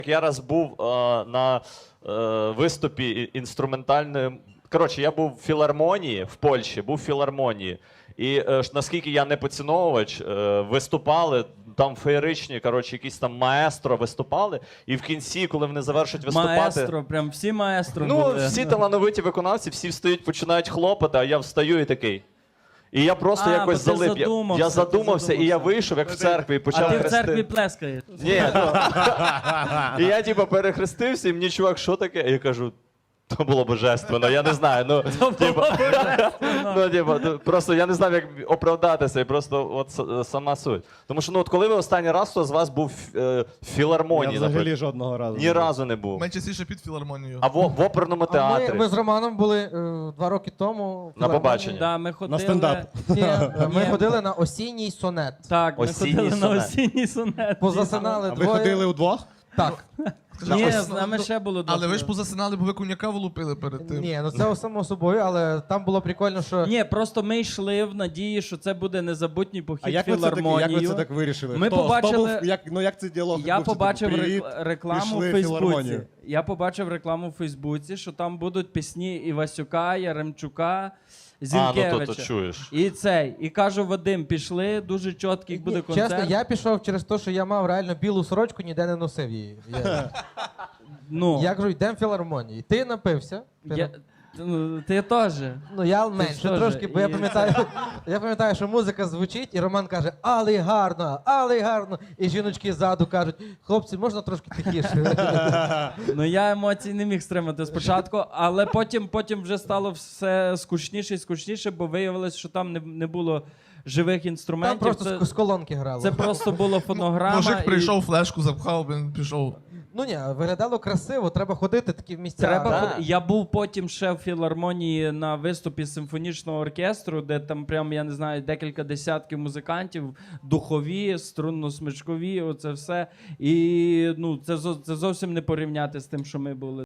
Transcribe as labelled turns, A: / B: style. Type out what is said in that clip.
A: Я раз був на виступі інструментальної. Коротше, я був в філармонії в Польщі, був в філармонії. І наскільки я не поціновувач, виступали, там феєричні, коротше, якісь там маестро виступали. І в кінці, коли вони завершують виступати...
B: Маестро, прям всі маестро
A: Ну,
B: були.
A: всі талановиті виконавці, всі встають, починають хлопати, а я встаю і такий. І я просто якось
B: бо ти
A: залип. Я задумався, і я вийшов, як в церкві, і почав
B: А ти в
A: хрестити.
B: церкві плескаєш.
A: Ні, ну, і я типу перехрестився, і мені чувак, що таке? І я кажу, то було божественно, я не знаю. Ну, просто я не знав, як оправдатися, і просто от сама суть. Тому що, ну, от коли ви останній раз, хто з вас був в філармонії?
C: Я взагалі жодного разу.
A: Ні разу не був.
D: Ми частіше під філармонією.
A: А в оперному театрі?
E: Ми з Романом були 2 роки тому.
A: На побачення.
B: Да, ми ходили...
C: На стендап.
E: Ні, ми ходили на осінній сонет.
B: Так, ми
A: Осінній
B: ходили на
A: сонет.
B: осінній сонет.
E: Позасинали
C: А ви
E: двоє.
C: ходили удвох?
E: Так.
B: Ні, з нами ще було
D: Але ви ж
B: досить.
D: позасинали, бо ви коньяка влупили перед тим.
E: Ні, ну це само собою, але там було прикольно, що...
B: Ні, просто ми йшли в надії, що це буде незабутній
C: А
B: похід в
C: як ви
B: філармонію.
C: це так вирішили?
B: Ми
C: Хто
B: побачили-
C: був, як цей діалог
B: Я
C: відбувся?
B: побачив
C: Типу, «Привіт,
B: рекламу в
C: пішли в
B: Фейсбуці.
C: філармонію».
B: Я побачив рекламу в Фейсбуці, що там будуть пісні Івасюка, Яремчука, Зінкевича.
A: то чуєш.
B: І кажу, Вадим, пішли, дуже чіткий буде концерт.
E: Чесно, я пішов через те, що я мав реально білу сорочку, ніде не носив її. Я кажу, йдемо в філармонію. Ти напився.
B: Ти теж.
E: Ну, я менше
B: теж.
E: трошки, бо я пам'ятаю, що музика звучить, і Роман каже, але гарно. І жіночки ззаду кажуть, хлопці, можна трошки тихіше?
B: Ну я емоцій не міг стримати спочатку, але потім вже стало все скучніше і скучніше, бо виявилось, що там не було живих
E: Там
B: інструментів.
E: просто з колонки грало.
B: Це просто була фонограма.
D: Мужик прийшов, флешку запхав, він пішов.
E: Ну ні, виглядало красиво, треба ходити такі в місця.
B: Я був потім ще в філармонії на виступі симфонічного оркестру, де там прям, я не знаю, декілька десятків музикантів, духові, струнно-смичкові, оце все. І ну, це зовсім не порівняти з тим, що ми були.